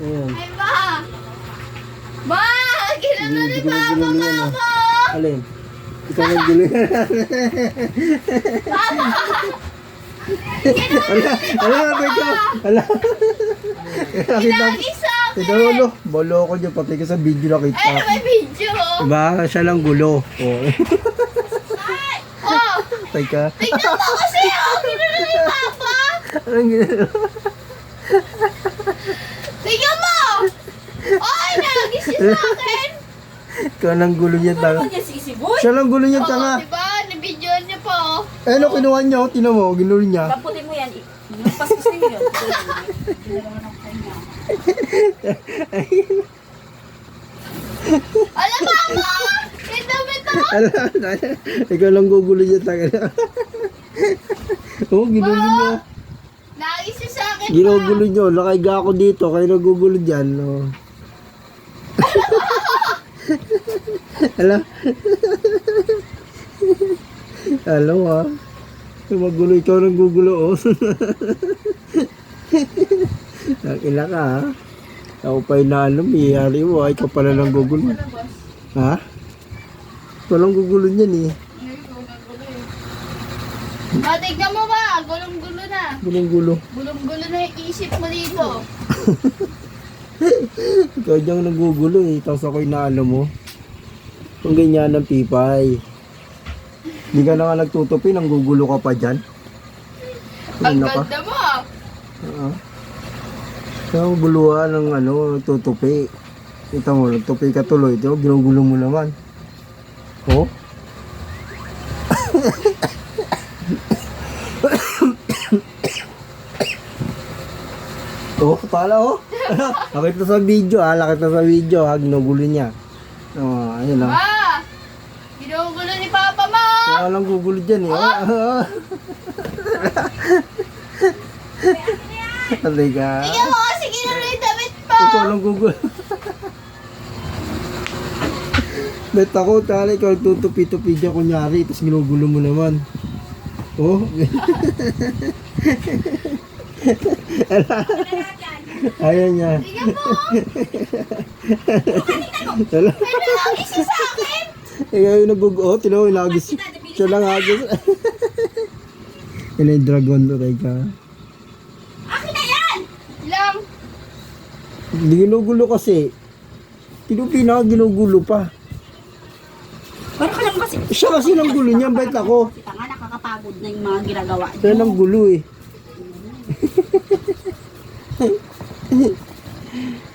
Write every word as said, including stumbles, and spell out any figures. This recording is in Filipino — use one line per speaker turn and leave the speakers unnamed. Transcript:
Ayan.
Ay, ma! Ma! Ginano ni
Hindi ko
Papa
nagulo
ka
yan, ah.
ako!
Alin? Ikaw naggulo yan. Ala, ala, teka. Ala. Nakita
Lagi sa akin!
Ito, ulo. Bolo ko dyan, pati ka sa video nakita.
Ay, may video!
Diba? Siya lang gulo. Oh.
Ay! Oh!
Teka.
Tignan mo kasi oh! Ginano ni Papa!
Anong ginagawa?
Tignan mo! Ay, lagi siya sa akin!
Ikaw lang gulo niya, tanga.
Ano niya sisiboy?
Siya lang gulo niya,
Oo,
tanga.
diba? Nabidyoan niya pa oh.
Eh, ano kinuha niya? Oh, tinan mo, ginulo niya.
Lamputin mo yan. Yung paspas din yun.
Alam mo mo! Yung damit ako!
Ala, ala. Ikaw lang gugulo niya, tanga. Oh, ginulo niya.
Lagi siya sa akin pa!
Ginugulo niyo. Nakaiga ako dito, kayo nagugulo dyan. Oh. Ala. Hello ah. Magulo, ikaw nang gugulo oh. Nakila ka ha. Ako pa inaalam, iyari mo. Ay, ikaw pala nang gugulo. Ha? Ikaw lang gugulo niyan eh.
Ah, tignan mo ba? Gulong-gulo na.
Gulong gulo.
Gulong-gulo na yung isip mo dito.
Ikaw diyang nagugulo eh. Tapos ako inaalam mo. Kung ganyan ang pipay. Hindi ka na nga nagtutupi, nang gugulo ka pa dyan.
Ang
Ano ka?
ganda mo ah.
Oo. Kaya ang guluhan ng ano, nagtutupi. Kita mo, nagtupi ka tuloy. Ito, ginugulo mo naman. Oh? Oh, pala oh. Lakit na sa video ah, lakit na sa video ha, ginugulo niya. Oh, ayun lang.
Ma! Ginugulo ni Papa mo!
Kaya lang gugulo dyan eh. Oh. Alay ka.
Tingnan mo kasi ginulo yung damit mo!
Ikaw lang gugulo. Bet ako, tala, ikaw tutupi-tupi dyan kunyari, tapos ginugulo mo naman. Oh. Ayan niya.
Tingnan mo!
Tala.
Ano lagi siya sa akin?
Ikaw yung nagugulo. Oh, tinaw, inagis. Siya lang agis. Yan yung dragon to, teka.
Akin na yan!
Lang!
Hindi ginugulo kasi. Tinupi na, ginugulo pa.
Pero ka lang kasi.
Siya kasi nang gulo niya, bait ako.
Kita nga nakakapagod na yung mga ginagawa niyo.
Siya nang gulo eh.